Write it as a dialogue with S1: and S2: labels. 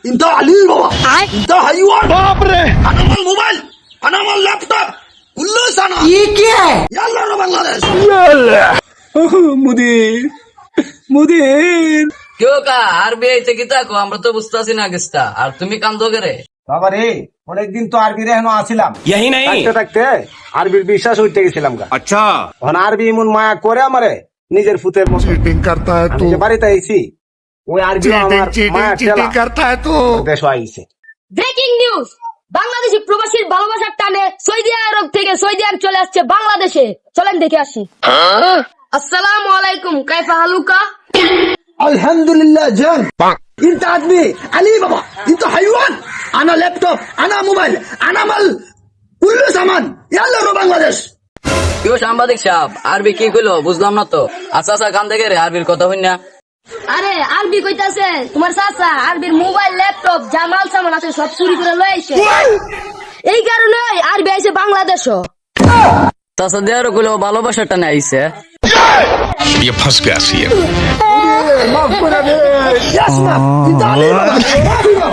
S1: انت علي بابا انت حيوان باپ رے انا مال موبائل انا مال لैपटॉप كله سنه
S2: ये क्या है
S1: يلا يا بنغلاديش
S3: মুদির
S4: কেউ কা আরবিআই থেকে থাকো আমরা তো বুঝতেছি না কিস্তা আর তুমি কান্দো করে
S5: বাবা রে অনেকদিন তো আরবির এখনো আসিলাম
S3: यही नहीं
S5: থাকতে থাকতে আরবির বিশ্বাস হইতে গেছিলাম গা
S3: अच्छा
S5: এখন আরবি এমন মায়া করে আমারে নিজের ফুতের মতো
S6: चीटिंग करता है
S5: আমি
S6: तू
S5: যে বাড়িতে আইছি ওই আরবি আমার
S6: चीटिंग
S5: মায়া
S6: चीटिंग चीटिंग करता है तू
S5: দেশ আইছে
S7: ব্রেকিং নিউজ বাংলাদেশি প্রবাসীর ভালোবাসার টানে সৌদি আরব থেকে সৌদি আরব চলে আসছে বাংলাদেশে চলেন দেখে আসি আসসালামু আলাইকুম কাইফা হালুকা
S1: الحمد لله جان انت عدمي علي بابا انت حيوان انا لابتوب انا موبايل انا مال كله سامان يلا يا بنغلاديش
S4: কেউ সাংবাদিক সাহেব আরবি কি কইলো বুঝলাম না তো আচ্ছা আচ্ছা কান্দে করে আরবির কথা হই না
S7: আরে আরবি কইতাছে তোমার চাচা আরবির মোবাইল ল্যাপটপ জামাল সামান আছে সব চুরি করে লই আইছে এই কারণে আরবি আইছে বাংলাদেশও
S4: তাছা দেয়ারও কইলো ভালোবাসার টানে আইছে
S6: ये फंस गया सी
S1: يسمع انت علي بابا